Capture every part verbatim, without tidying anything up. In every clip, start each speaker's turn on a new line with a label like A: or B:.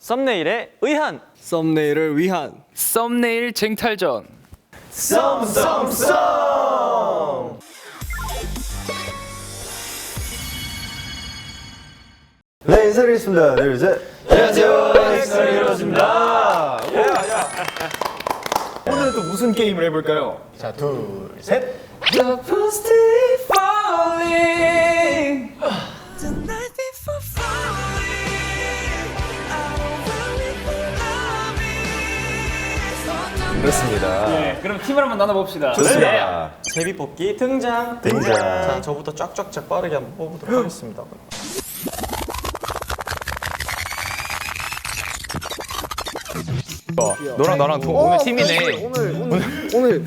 A: 썸네일에 의한.
B: 썸네일을 위한
C: 썸네일 쟁탈전.
A: 썸썸썸.
D: 네, 인사드리겠습니다. 둘, 셋.
A: 안녕하세요. 엑스트라입니다.
B: 오늘은 또 무슨 게임을 해볼까요?
D: 자, 둘, 셋.
C: The positive falling.
E: The night before falling, I don't really love it.
D: 그렇습니다.
C: 네, 그럼 팀을 한번 나눠봅시다.
D: 좋습니다.
A: 제비뽑기 등장.
D: 등장.
A: 자, 저부터 쫙쫙쫙 빠르게 한번 뽑아보도록 하겠습니다.
C: 너랑 나랑 동, 오늘 팀이네.
B: 오늘 오늘 오늘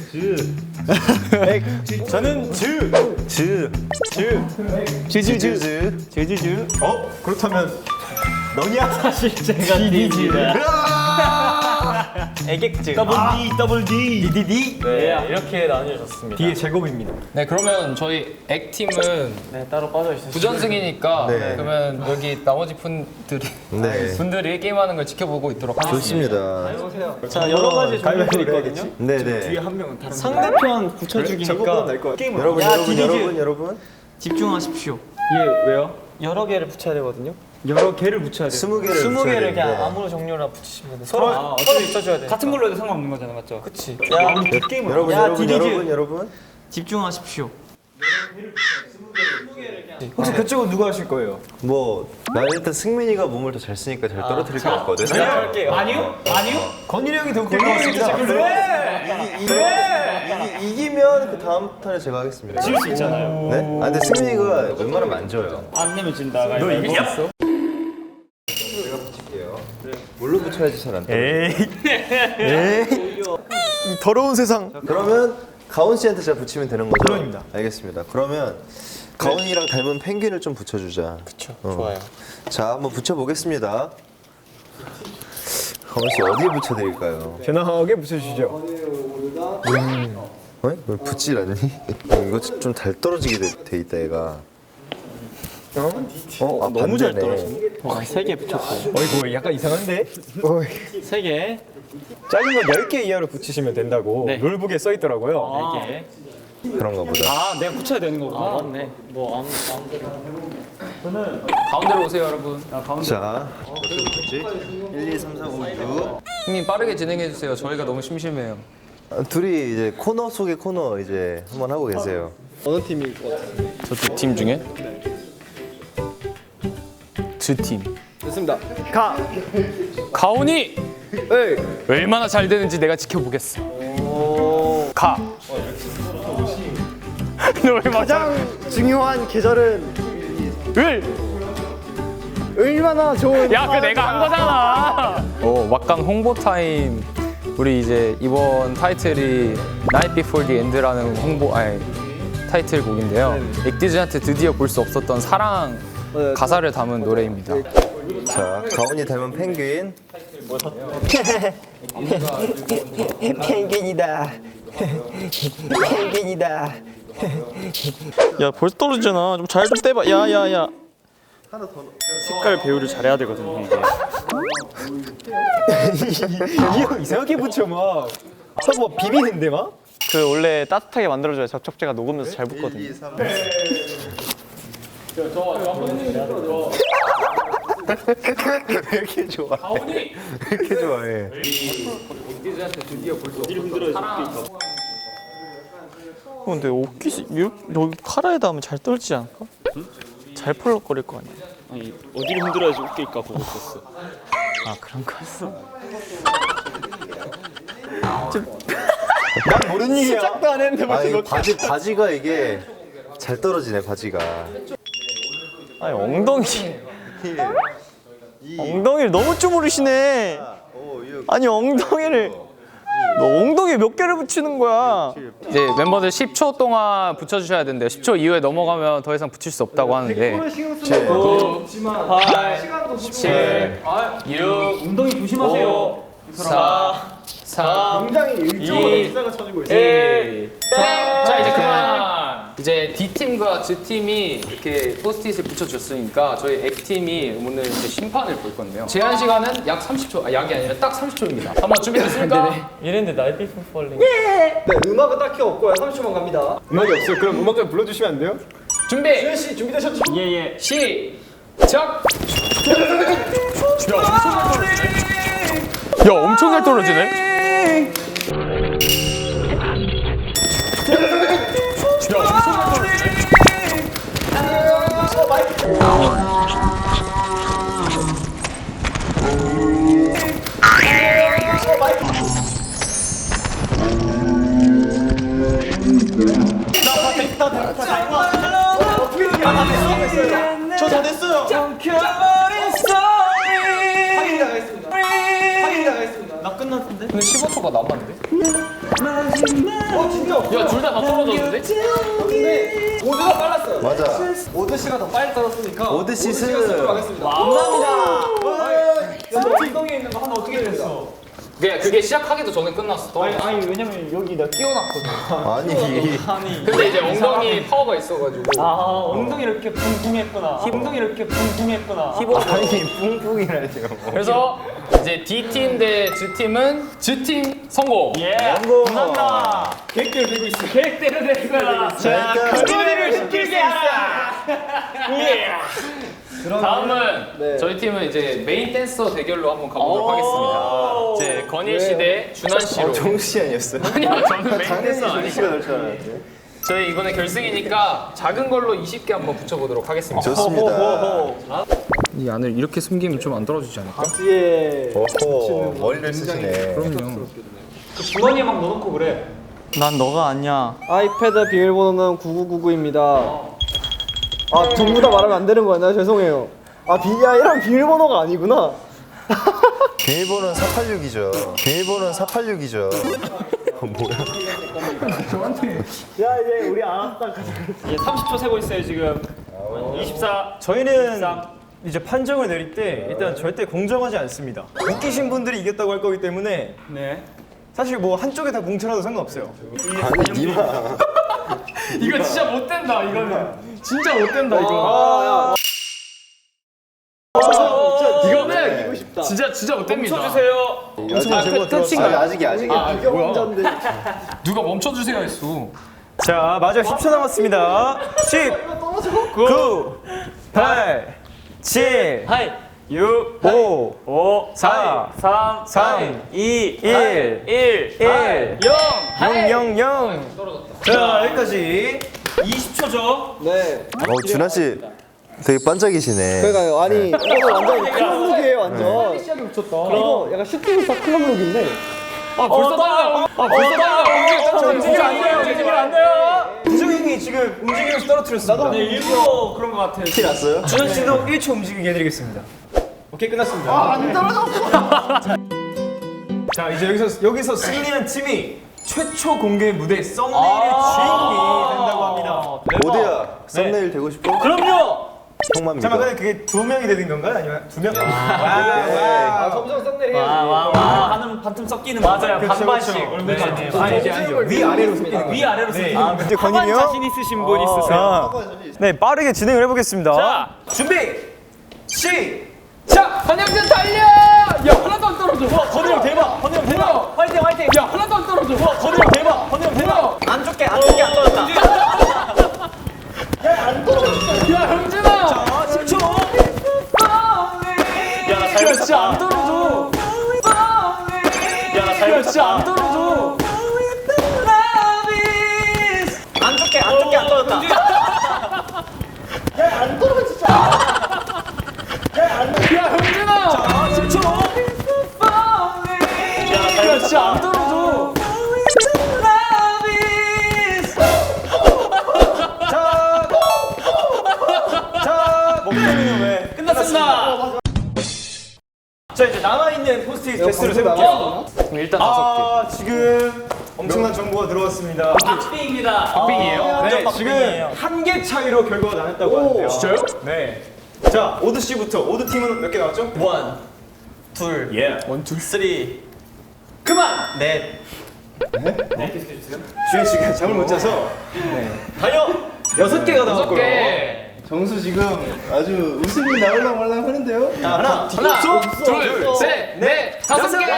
A: 저는 즈.
D: 즈. 즈. 즈즈즈.
A: 즈즈즈.
D: 어? 그렇다면 너냐?
A: 사실 제가 디디입니다. 애객즈.
D: 더블 D, 더블 D.
A: 디디디. 네, 이렇게 나뉘어졌습니다.
B: D의 제곱입니다.
C: 네, 그러면 저희 액팀은
A: 네, 따로 빠져 있으시죠.
C: 부전승이니까
D: 네.
C: 그러면 여기 나머지 분들이
D: 네.
C: 분들이 게임하는 걸 지켜보고 있도록 하겠습니다.
D: 좋습니다.
A: 자, 여러 가지 종류들이 있거든요.
D: 네네.
B: 한 명은 다른
A: 상대편 붙여주기니까
B: 게임
D: 여러분,
A: 야,
D: 여러분,
A: 디디즈.
D: 여러분, 여러분.
A: 집중하십시오.
B: 예 왜요?
A: 여러 개를 붙여야 되거든요.
B: 여러 개를 붙여야 돼요.
D: 스무 개를
A: 스무
D: 붙여야
A: 개를 그냥
D: 되는데.
A: 아무 종류나 붙이시면 돼. 서로
B: 아,
A: 서로 붙여줘야 돼.
C: 같은 걸로 해도 상관없는 거잖아, 맞죠?
A: 그치. 야,
B: 게임을
D: 여러분,
A: 야,
D: 여러분,
A: 디디즈.
D: 여러분, 여러분.
A: 집중하십시오.
B: 혹시 그쪽은 누가 하실 거예요?
D: 뭐, 나 일단 승민이가 몸을 더 잘 쓰니까 잘 떨어뜨릴 것 같거든.
A: 시작할게요.
C: 아니요? 아니요?
B: 건일이 형이 더 웃길 것 같습니다.
D: 이기, 이기면 그 다음 턴에 제가 하겠습니다.
C: 질 수 있잖아요.
D: 네? 아, 근데 승민이가 웬만하면 안 져요.
C: 안 내면 진다가.
B: 너 이겼어?
D: 뭘로 붙여야지 잘 안 떨어져. 에이. 이 더러운 세상. 그러면 가온 씨한테 제가 붙이면 되는 거죠?
B: 그럼입니다.
D: 알겠습니다. 그러면 가온이랑 닮은 펭귄을 좀 붙여주자.
A: 그쵸. 좋아요.
D: 자, 한번 붙여보겠습니다. 가온 씨 어디에 붙여드릴까요?
B: 편하게 붙여주시죠.
D: 어? 왜 붙질 않니? 이거 좀 잘 떨어지게 돼, 돼 있다 얘가. 어? 어? 아,
A: 너무 잘
D: 반대네.
A: 떨어지네. 와, 세 개 붙였고.
B: 어이구 약간 이상한데? 어이.
A: 세 개.
B: 작은 건 열 개 이하로 붙이시면 된다고
A: 네.
B: 룰북에 써 있더라고요.
A: 네 개.
D: 그런가 보다.
C: 아, 내가 붙여야 되는 거구나.
A: 아, 맞네. 뭐 아무 아무데나.
C: 가운데로 오세요, 여러분.
D: 자, 어떻게 붙였지? 일, 이, 삼, 사, 오, 육.
C: 형님 빠르게 진행해 주세요. 저희가 너무 심심해요.
D: 아, 둘이 이제 코너 속의 코너 이제 한번 하고 계세요.
B: 어느 팀일 것 같아요?
C: 저쪽 팀 중에? 두 팀.
B: 좋습니다. 가!
C: 가온이
B: 에이!
C: 얼마나 잘 되는지 내가 지켜보겠어. 가. 너 얼마
B: 가장 중요한 계절은
C: 을.
B: 얼마나 좋은
C: 야, 그 내가 한 거잖아. 어, 막강 홍보 타임. 우리 이제 이번 타이틀이 Night Before the End라는 홍보 아니 타이틀곡인데요. 액디즈한테 드디어 볼 수 없었던 사랑 가사를 담은 노래입니다.
D: 자, 가온이 닮은 펭귄.
B: 펭귄이다. 펭귄이다.
A: 야, 벌써 떨어지잖아. 좀 잘 좀 떼봐. 야, 야, 야. 색깔 배우를 잘해야 되거든요, 이게.
B: 이형 이상하게 붙여 막. 서뭐 비비는데 막?
A: 그 원래 따뜻하게 만들어줘야 접착제가 녹으면서 잘 붙거든요.
D: 일, 이, 삼. 왜 이렇게 좋아해? 왜 이렇게 좋아해?
A: 어, 근데 옷깃이 이렇게 여기 카라에다 하면 잘 떨어지지 않을까? 잘 펄럭거릴 거 아니야.
F: 아니 어디를 흔들어야지 웃길까 보고 있었어.
A: 아, 그런 거였어.
B: 난 모르는 일이야. 시작도 안 했는데
D: 아,
B: 벌써
D: 이거
B: 이렇게.
D: 바지, 바지가 이게 잘 떨어지네, 바지가.
A: 아니, 엉덩이. 엉덩이를 너무 주무르시네. 아니, 엉덩이를. 너 엉덩이 몇 개를 붙이는 거야?
C: 이제 멤버들 십 초 동안 붙여주셔야 된대요. 십 초 이후에 넘어가면 더 이상 붙일 수 없다고 하는데. 구, 팔, 칠, 육,
B: 엉덩이 조심하세요.
C: 오, 사, 삼,
B: 굉장히 일정으로
C: 이,
B: 일사가 쳐지고 있어.
C: 일. 자, 이제 그만. 이제 D팀과 G팀이 이렇게 포스트잇을 붙여줬으니까 저희 X팀이 오늘 이제 심판을 볼 건데요. 제한 시간은 약 삼십 초, 아 약이 아니라 딱 삼십 초입니다. 한번 준비됐습니까?
A: 이랬는데 Night Before Falling.
B: 네, 음악은 딱히 없고요. 삼십 초만 갑니다. 음악이 없어요. 그럼 음악 좀 불러주시면 안 돼요?
C: 준비!
B: 주현 씨 준비되셨죠?
A: 예예.
C: 시작! 야 엄청 잘 떨어지네?
A: 저 다 됐어요.
B: 확인 나가겠습니다. 확인 나가겠습니다.
A: 나 끝났는데?
C: 근데 십오 초가 남았는데?
B: 어 진짜 없어.
C: 야 둘 다 다 떨어졌는데?
B: 근데 오드가 빨랐어요.
D: 맞아.
B: 오드 씨가 더 빨리 떨었으니까
D: 오드 시스.
B: 씨가 쓰도록 하겠습니다. 감사합니다. 엉덩이에 있는 거 하나 어떻게 됐어?
C: 그게, 그게 시작하기도 전에 끝났어. 떨어졌어.
A: 아니 왜냐면 여기 내가 끼워놨거든.
D: 아니.
A: 아니.
C: 근데 이제 엉덩이 파워가 있어가지고
A: 아 엉덩이를 이렇게 붕붕했구나. 엉덩이를 이렇게 붕붕했구나.
D: 아니 뿡뿡이라니요.
C: 그래서 이제 D팀 대 G팀은 G팀 성공!
A: 예. 감사합니다.
B: 계획대로 되고 있어.
A: 계획대로 될 거야. 자, 그거를 시키게 하라. 예.
C: 다음은 저희 팀은 이제 메인 댄서 대결로 한번 가보도록 하겠습니다. 이제 건일 씨 대 준환 씨로.
D: 정씨 아니었어요?
C: 아니요, 저는 메인 댄서 아니에요.
D: 정씨가 될 줄 알았는데.
C: 저희 이번에 결승이니까 작은 걸로 이십 개 한번 붙여보도록 하겠습니다.
D: 좋습니다.
C: 이 안을 이렇게 숨기면 좀 안 떨어지지 않을까?
B: 예.
D: 오호 머리를 쓰시네.
C: 그럼요.
B: 주머니에 막 넣어놓고 그래.
A: 난 너가 아니야.
B: 아이패드 비밀번호는 구구구구입니다. 아 전부 다 말하면 안 되는 거였나요? 죄송해요. 아 비아이랑 비밀번호가 아니구나.
D: 비밀번호는 사팔육이죠. 비밀번호는 사팔육이죠. 뭐야?
B: 야 이제 우리 알았다.
A: 이제 삼십 초 세고 있어요 지금. 이십사.
G: 저희는 이제 판정을 내릴 때 일단 절대 공정하지 않습니다. 웃기신 분들이 이겼다고 할 거기 때문에
A: 네.
G: 사실 뭐 한쪽에 다 공천해도 상관없어요.
D: 아니 니마.
C: 이거 진짜 못 된다, 이거는. 진짜 못 된다, 이거. 이거는 진짜 진짜 못 됩니다.
A: 멈춰주세요.
C: 아, 그 터칭
D: 아직 아직이 아직이야.
C: 누가 멈춰주세요 했어.
G: 자 마지막 십 초 남았습니다. 십, 구, 팔, 칠,
A: 하이.
G: 육, 오,
A: 오.
G: 사,
A: 삼.
G: 삼,
A: 이.
G: 일,
A: 일.
G: 일,
A: 영.
G: 영, 영, 영. 자 여기까지 이십 초죠.
B: 네.
D: 어 준하 씨 되게 반짝이시네.
B: 그러니까요. 아니 이거 완전 클럽룩이에요 완전. 이거 약간 슈팅스타 클럽룩인데.
A: 아 벌써 떨려. 아 벌써 떨려. 움직이면 안 돼요. 움직이면 안 돼요.
G: 부정행이 지금 움직이면서 떨어뜨렸습니다.
A: 네, 일부러 그런 것 같아요.
D: 티 났어요?
G: 준현 씨도 일 초 움직이게 해드리겠습니다. 오케이 끝났습니다. 아안 떨어졌어. 자 이제 여기서 여기서 승리한 팀이 최초 공개 무대 썸네일의 주인공이 된다고 합니다.
D: 오대야 썸네일 되고 싶어?
A: 그럼요.
D: 형만 믿어.
G: 잠깐 근데 그게 두 명이 되는 건가요? 아니면 두 명?
B: 아 점점 썸네일 해야지.
A: 와와와 하는 반틈 섞이는 맞아요.
G: 그렇죠,
A: 반반씩.
G: 그렇죠.
A: 얼굴
G: 네. 아니 이게 아니죠. 위 아래로 섞이는 거예요.
A: 위 아래로 섞이는.
G: 아, 근데 건일이 형?
A: 자신 있으신 분 있으세요?
G: 자, 네 빠르게 진행을 해보겠습니다.
A: 자.
G: 준비 시.
C: 자, 한영준 달려! 야, 하나도 안 떨어져.
A: 와 건우 형 대박. 건우 형 대박. 화이팅 화이팅.
C: 야, 하나도 안 떨어져.
A: 와 건우 형 대박. 건우 형 대박. 안 좋게 안 좋게 안 떨어졌다.
C: 야, 형준아!
A: 아 십 초. 야나
C: 야, 진짜 안 떨어져.
A: 야나 잘
C: 야, 진짜 안
A: 붙였다.
C: 떨어져.
A: 안 좋게 안 좋게 안 떨어졌다.
C: 야, 형준아!
A: 아 십 초. 야나 잘
C: 야, 진짜 안
A: 붙였다.
C: 떨어져.
G: 자 목소리는 왜?
A: 끝났습니다.
G: 자 이제 남아있는 포스트잇 개수를 세볼게요.
C: 그럼 일단 다섯
G: 아 지금 엄청난 정보가 들어왔습니다.
A: 박빙입니다.
C: 박빙이에요?
G: 네 지금 한 개 차이로 결과가 나눴다고 하는데요.
C: 진짜요?
G: 네. 자 오드 씨부터. 오드 팀은 몇 개 나왔죠?
A: 원, 둘,
G: 예.
A: 원, 둘, 쓰리. 그만. 넷.
G: 주현 씨가 잠을 못 자서
A: 달려.
G: 여섯 개가 나왔고요.
D: 정수 지금 아주 웃음이 나올랑 말랑 하는데요.
G: 하나,
C: 하나, 둘, 셋, 넷, 다섯 개.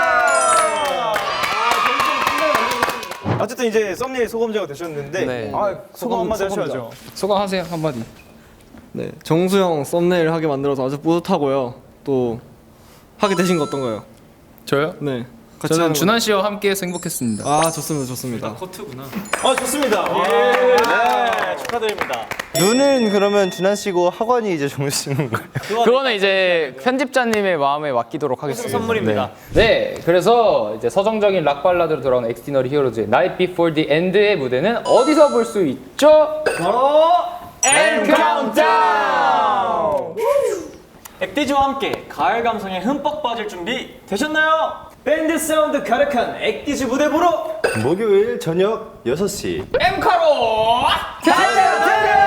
G: 어쨌든 이제 썸네일 소감자가 되셨는데
C: 네.
G: 아, 소감 한마디
B: 소감자.
G: 하셔야죠.
C: 소감하세요 한마디.
B: 네, 정수 형 썸네일 하게 만들어서 아주 뿌듯하고요. 또 하게 되신 거 어떤가요?
C: 저요?
B: 네, 같이
C: 저는
B: 하는 거.
C: 준환 씨와 함께해서 행복했습니다.
B: 아, 좋습니다, 좋습니다.
G: 아, 좋습니다. 네, 축하드립니다.
D: 눈은 그러면 준환 씨고 학원이 이제 정수 씨는 거예요.
C: 그거는 이제 편집자님의 마음에 맡기도록 하겠습니다.
G: 선물입니다.
C: 네. 네, 그래서 이제 서정적인 락 발라드로 돌아오는 엑스티너리 히어로즈의 Night Before the End의 무대는 어디서 볼 수 있죠?
G: 바로
C: End Countdown!
A: 엑디즈와 함께 가을 감성에 흠뻑 빠질 준비 되셨나요?
G: 밴드 사운드 가득한 엑디즈 무대 보러
D: 목요일 저녁 여섯 시.
C: 엠카로 달려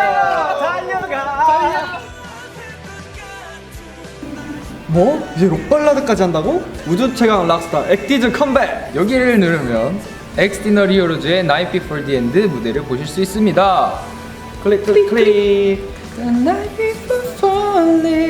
C: 달려
B: 뭐? 이제 록발라드까지 한다고? 우주 최강 락스타 엑디즈 컴백!
C: 여기를 누르면 엑스티너리 히어로즈의 Night Before the End 무대를 보실 수 있습니다.
B: 클릭 클릭 클릭.
C: The night before falling